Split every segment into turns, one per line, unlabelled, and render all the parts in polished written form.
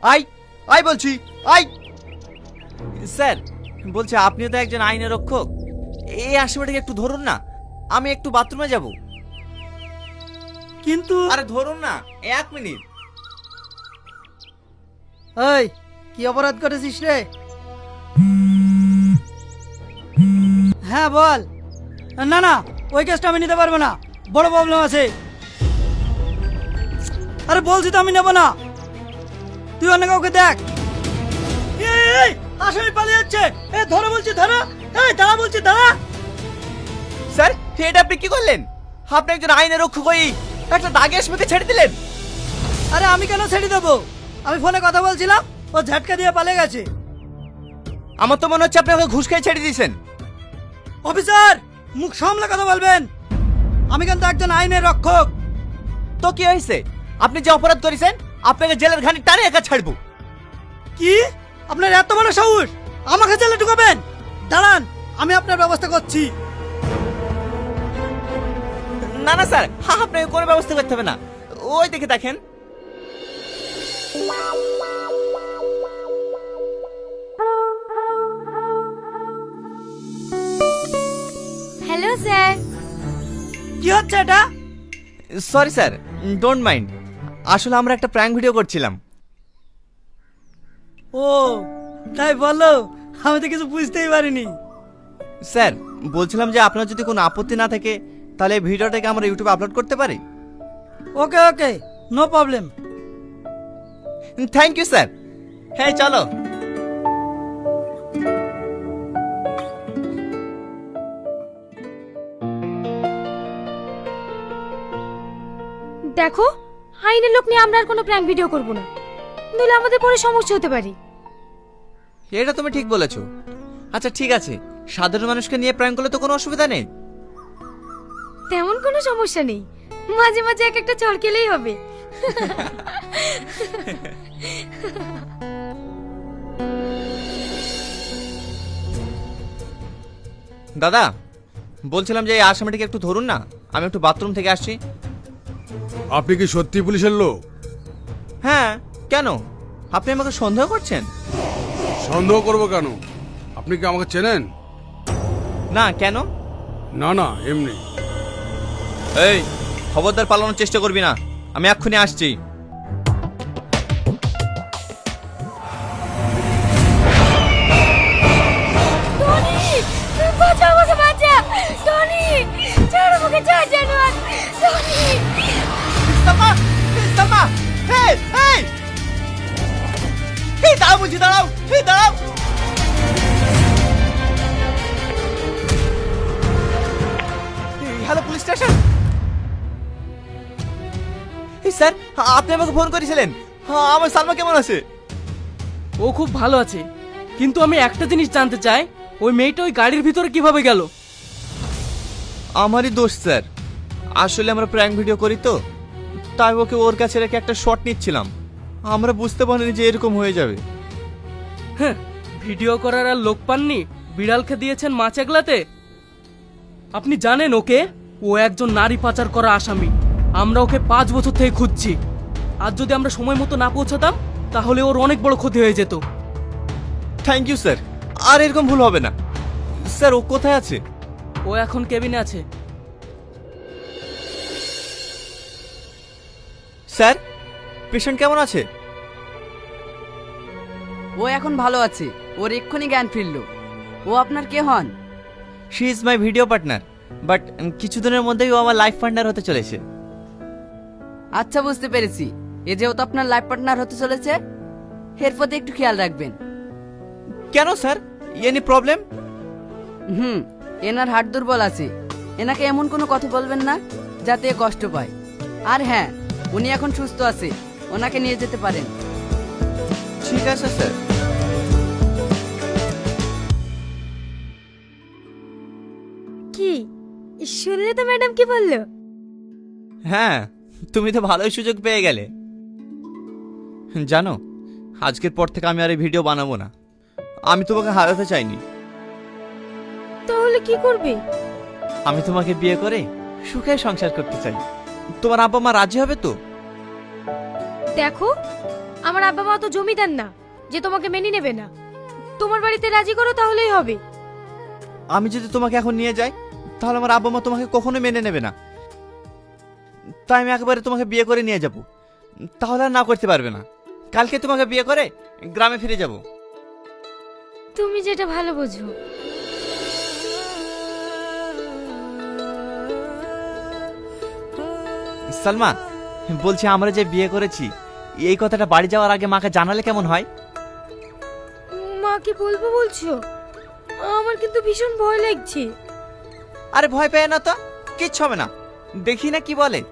I I বলছি I. Sir বলছে আপনিও তো একজন আইনের রক্ষক, এই আসামিটাকে একটু ধরুন না, আমি একটু বাথরুমে যাব।
কিন্তু
আরে ধরুন না, 1 মিনিট।
এই কি অপরাধ করেছিস রে? হ্যাঁ বল। না না, ওই কেসটা আমি নিতে পারবো না, বড় প্রবলেম আছে। আরে বলছি তো আমি নেব না, তুই অন্য কাউকে দেখ। এই আসামি পালিয়ে যাচ্ছে, এই ধরো বলছি ধরো, এই দাঁড়া বলছি দাঁড়া।
স্যার এটা আপনি কি করলেন? আপনি একজন আইনের রক্ষক হয়ে একটা দাগে আসামিকে ছেড়ে দিলেন।
আরে আমি কেন ছেড়ে দেবো? আমি ফোনে কথা বলছিলাম, ও ঝাটকা দিয়ে পালিয়ে গেছে।
আমার তো মনে হচ্ছে আপনি ওকে ঘুষ খেয়ে ছেড়ে দিয়েছেন।
অফিসার মুখ সামলে কথা বলবেন, আমি কিন্তু একজন আইনের রক্ষক।
তো কি হয়েছে? আপনি যে অপরাধ করেছেন আপনাকে জেলের ঘানি টানে একা ছাড়বো।
কি আপনার এত বড় সাহস, আমাকে জেলে ঢুকাবেন? দাঁড়ান আমি আপনার ব্যবস্থা করছি।
না না স্যার, আপনাকে কোনো ব্যবস্থা করতে হবে না, ওই দেখে দেখেন।
Hello sir.
কি হচ্ছে এটা?
সরি স্যার, ডোন্ট মাইন্ড, আসলে আমরা একটা প্র্যাঙ্ক ভিডিও করছিলাম।
ও তাই বলো, আমি তো কিছু বুঝতেই পারিনি।
স্যার বলছিলাম যে আপনার যদি কোনো আপত্তি না থাকে তাহলে এই ভিডিওটাকে আমরা ইউটিউবে আপলোড করতে পারি।
Okay okay, no problem.
Thank you sir. হ্যাঁ চলো।
দেখো, আইনের লোক নিয়ে আমরা আর কোনো প্র্যাঙ্ক ভিডিও করব না, নইলে আমাদের পরে সমস্যা হতে পারে।
এটা তুমি ঠিক বলেছো। আচ্ছা ঠিক আছে, সাধারণ মানুষকে নিয়ে প্র্যাঙ্ক করলে তো কোনো অসুবিধা নেই।
তেমন কোনো সমস্যা নেই, মাঝে মাঝে এক একটা চড় খেলেই হবে।
দাদা বলছিলাম যে এই আসামিটাকে একটু ধরুন না, আমি একটু বাথরুম থেকে আসছি।
আপনি কি সত্যি পুলিশের লোক?
হ্যাঁ কেন, আপনি আমাকে সন্দেহ করছেন?
সন্দেহ করব কেন? আপনি কি আমাকে চেনেন?
না কেন?
না না, এমনি।
এই খবরদার পালানোর চেষ্টা করবি না, আমি এক্ষুনি আসছি।
টনি, বাঁচা আমাকে, বাঁচা টনি, ছাড় আমাকে, ছাড় জানোয়ার টনি।
সালমা, সালমা, এই এই এই দাঁড়াও বলছি, দাঁড়াও, এই দাঁড়াও। Hello police station. এই স্যার আপনি আমাকে ফোন করেছিলেন, আমার সালমা কেমন আছে?
ও খুব ভালো আছে, কিন্তু আমি একটা জিনিস জানতে চাই, ওই মেয়েটা ওই গাড়ির ভিতরে কিভাবে গেল?
আমারই দোষ স্যার, আসলে আমরা প্র্যাঙ্ক ভিডিও করি তো, তাই ওকে ওর কাছে রেখে একটা শট নিচ্ছিলাম, আমরা বুঝতে পারিনি যে এরকম হয়ে যাবে।
হ্যাঁ, ভিডিও করার আর লোক পাননি, বিড়ালকে দিয়েছেন মাছ এগলাতে। আপনি জানেন ওকে, ও একজন নারী পাচার করা আসামি। আমরা ওকে 5 বছর থেকে খুঁজছি, আর যদি আমরা সময় মতো না পৌঁছাতাম তাহলে ওর অনেক বড় ক্ষতি হয়ে যেত।
থ্যাংক ইউ স্যার, আর এরকম ভুল হবে না। স্যার ও কোথায় আছে?
ও এখন কেবিনে আছে।
স্যার পেশেন্ট কেমন আছে?
ও এখন ভালো আছে, ওর এক্ষুনি জ্ঞান ফিরল। ও আপনার কে হন?
She is my video partner, but কিছুদিনের মধ্যেই ও আমার লাইফ পার্টনার হতে চলেছে।
আচ্ছা বুঝতে পেরেছি, এ যেহেতু আপনার লাইফ পার্টনার হতে চলেছে, এর প্রতি একটু খেয়াল রাখবেন।
কেন স্যার, এনি প্রবলেম?
এনার হাড় দুর্বল আছে, এনাকে এমন কোনো কথা বলবেন না যাতে এ কষ্ট পায়। আর হ্যাঁ, উনি এখন সুস্থ আছে, ওনাকে নিয়ে যেতে পারেন।
ঠিক আছে স্যার।
কি শুনলে তো ম্যাডাম কি বললো?
হ্যাঁ তুমি তো ভালোই সুযোগ পেয়ে গেলে। জানো আজকের পর থেকে আমি আর এই ভিডিও বানাবো না, আমি তোমাকে হারাতে চাইনি।
তাহলে কি করবে?
আমি তোমাকে বিয়ে করে সুখে সংসার করতে চাই। তোমার আব্বা মা রাজি হবে তো?
দেখো, আমার আব্বা মা তো জমিদার না যে তোমাকে মেনে নেবে না। তোমার বাড়িতে রাজি করো তাহলেই হবে।
আমি যদি তোমাকে এখন নিয়ে যাই তাহলে আমার আব্বা মা তোমাকে কখনো মেনে নেবে না। তাই আমি একেবারে তোমাকে বিয়ে করে নিয়ে যাব, তাহলে আর না করতে পারবে না। কালকে তোমাকে বিয়ে করে গ্রামে ফিরে যাব।
তুমি যেটা ভালো বোঝো।
সালমা, বলছি আমরা যে বিয়ে করেছি এই কথাটা বাড়ি যাওয়ার আগে মাকে জানালে কেমন হয়?
মা কি বলবো বলছো? আমার কিন্তু ভীষণ ভয় লাগছে।
আরে ভয় পেয়ে না তো, কিচ্ছু হবে না, দেখি না কি বলে।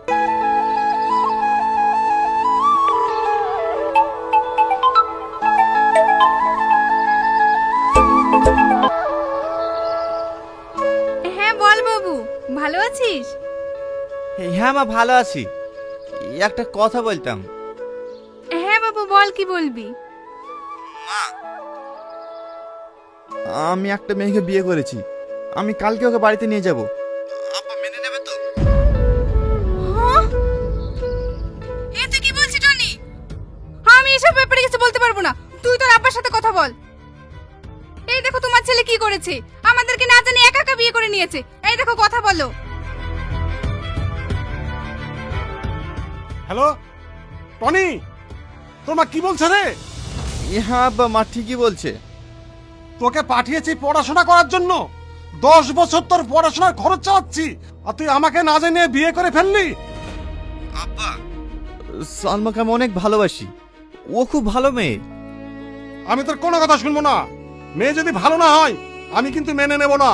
হ্যাঁ বল বাবু, ভালো আছিস?
হ্যাঁ মা, ভালো আছি। একটা কথা বলতাম।
হ্যাঁ বাবু বল, কি বলবি?
আমি একটা মেয়েকে বিয়ে করেছি, আমি কালকে ওকে বাড়িতে নিয়ে যাব। আপা মেনে নেবে তো?
এ তুই কি বলছিস টনি? আমি এসব ব্যাপারে কিছু বলতে পারবো না, তুই তোর আব্বার সাথে কথা বল। এই দেখো তোমার ছেলে কি করেছে, আমাদেরকে না জানি একা একা বিয়ে করে নিয়েছে। এই দেখো কথা বলো।
হ্যালো টনি, তোর মা কি বলছে রে?
হ্যাঁ আব্বা, মা ঠিকই বলছে।
তোকে পাঠিয়েছি পড়াশোনা করার জন্য, 10 বছর তোর পড়াশোনার খরচ চালাচ্ছি, আর তুই আমাকে না জানিয়ে বিয়ে করে ফেললি।
আব্বা, সালমাকে আমি অনেক ভালোবাসি, ও খুব ভালো মেয়ে।
আমি তোর কোনো কথা শুনবো না। মেয়ে যদি ভালো না হয় আমি কিন্তু মেনে নেব না।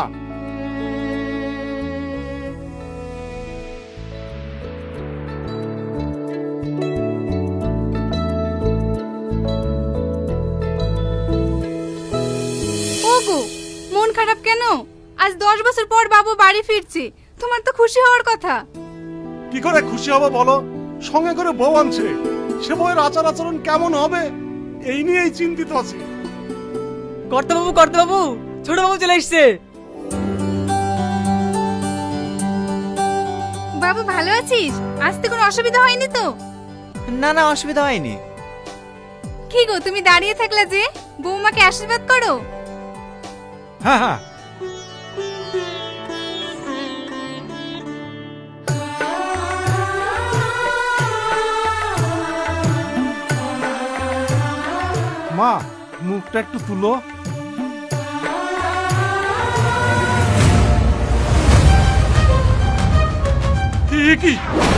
ওগো, মন খারাপ কেন? আজ 10 বছর পর বাবু বাড়ি ফিরছে, তোমার তো খুশি হওয়ার কথা।
কি করে খুশি হব বলো? সঙ্গে করে বউ আনছে, সে বউয়ের আচার আচরণ কেমন হবে এই নিয়েই চিন্তিত আছি।
কর্তাবাবু, কর্তাবাবু, ছোট বাবু চলে এসছে।
বাবু ভালো আছিস? আসতে কোনো অসুবিধা হয়নি তো?
না না, অসুবিধা হয়নি।
কি গো তুমি দাঁড়িয়ে থাকলে যে, বৌমাকে আশীর্বাদ করো।
হ্যাঁ হ্যাঁ, মা মুখটা একটু তুলো। কি